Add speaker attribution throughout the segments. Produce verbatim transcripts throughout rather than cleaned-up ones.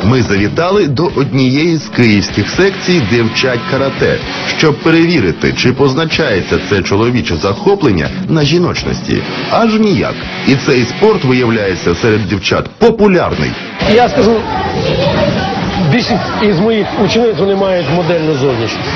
Speaker 1: Ми завітали до однієї з київських секцій, де вчать карате, щоб перевірити, чи позначається це чоловіче захоплення на жіночності. Аж ніяк. І цей спорт, виявляється, серед дівчат популярний.
Speaker 2: Я скажу, більшість із моїх учениць, вони мають модельну зовнішність.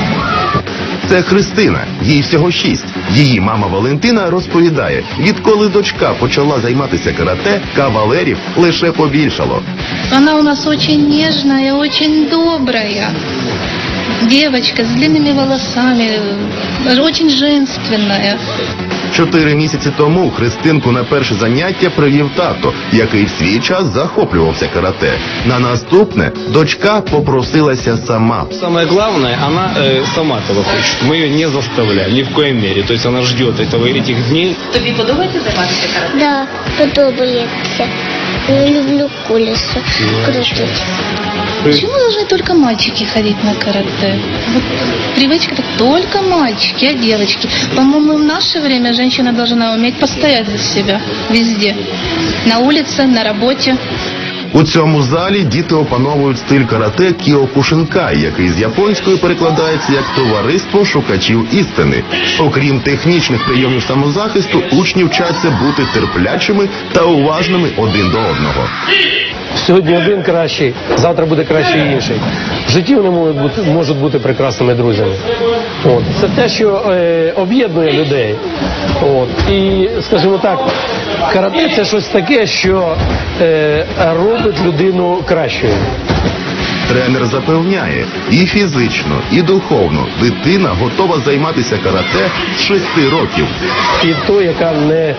Speaker 1: Це Христина, їй всього шість. Її мама Валентина розповідає, відколи дочка почала займатися карате, кавалерів лише побільшало.
Speaker 3: Она у нас очень нежная, очень добрая. Девочка с длинными волосами, очень женственная.
Speaker 1: Чотири місяці тому Христинку на перше заняття привів тато, який в свій час захоплювався карате. На наступне дочка попросилася сама.
Speaker 4: Самое главное, она э, сама этого хочет. Мы ее не заставляем, ни в коей мере. То есть она ждет этого, этих дней.
Speaker 5: Тобі подобається займатися карате?
Speaker 6: Да, подобається. Я люблю колесо крутить.
Speaker 3: Почему должны только мальчики ходить на карате? Вот привычка так только мальчики, а девочки. По-моему, в наше время женщина должна уметь постоять за себя везде. На улице, на работе.
Speaker 1: У цьому залі діти опановують стиль карате Кіокушинкай, який з японської перекладається як «товариство шукачів істини». Окрім технічних прийомів самозахисту, учні вчаться бути терплячими та уважними один до одного.
Speaker 2: Сьогодні один кращий, завтра буде кращий інший. В житті вони можуть бути, можуть бути прекрасними друзями. От. Це те, що е, об'єднує людей. От. І, скажімо так, карате – це щось таке, що е, робить людину кращою.
Speaker 1: Тренер запевняє, і фізично, і духовно дитина готова займатися карате з шести років.
Speaker 2: І то, яка не,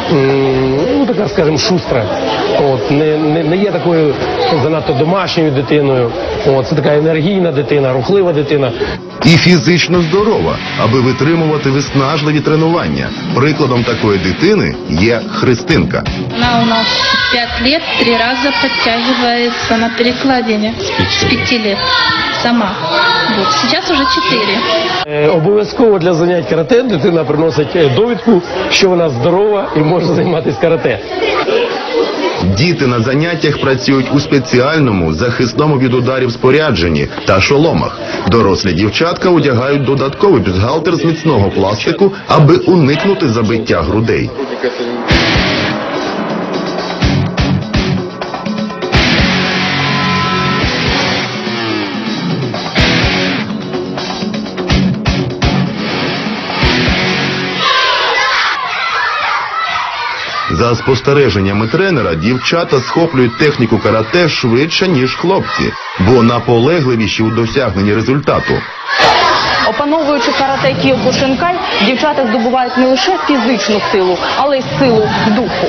Speaker 2: ну така, скажімо, шустра, от, не, не, не є такою занадто домашньою дитиною, от, це така енергійна дитина, рухлива дитина.
Speaker 1: І фізично здорова, аби витримувати виснажливі тренування. Прикладом такої дитини є Христинка.
Speaker 3: Она у нас пять лет, три раза подтягивается на перекладине. С пяти лет. Сама. Вот. Сейчас уже четыре.
Speaker 2: Е, обов'язково для занять карате дитина приносить е, довідку, що вона здорова і може займатися карате.
Speaker 1: Діти на заняттях працюють у спеціальному, захисному від ударів спорядженні та шоломах. Дорослі дівчатка одягають додатковий бюстгальтер з міцного пластику, аби уникнути забиття грудей. За спостереженнями тренера, дівчата схоплюють техніку карате швидше, ніж хлопці, бо наполегливіші у досягненні результату.
Speaker 5: Опановуючи карате Кіокушинкай, дівчата здобувають не лише фізичну силу, але й силу духу.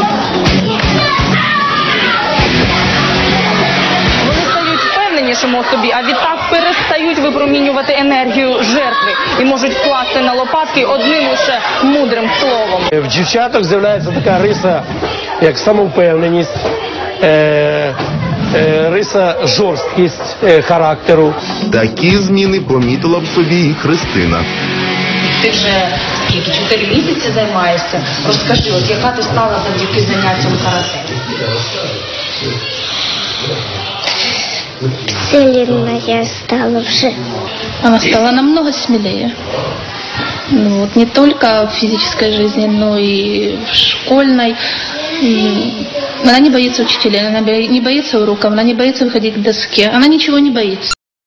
Speaker 5: Вони стають впевненішими у собі, а відтак перестають випромінювати енергію жертви і можуть вкласти на лопатки одним лише мудрим словом.
Speaker 2: В дівчатах з'являється така риса, як самовпевненість, е, е, риса жорсткість е, характеру.
Speaker 1: Такі зміни помітила б собі і Христина.
Speaker 5: Ти вже скільки, чотири місяці займаєшся? Розкажи, от яка ти стала завдяки заняттям карате?
Speaker 6: Сильна я стала вже.
Speaker 3: Она стала намного смелее. Ну, вот, не только в физической жизни, но и в школьной. И она не боится учителей, она не боится уроков, она не боится выходить к доске. Она ничего не боится.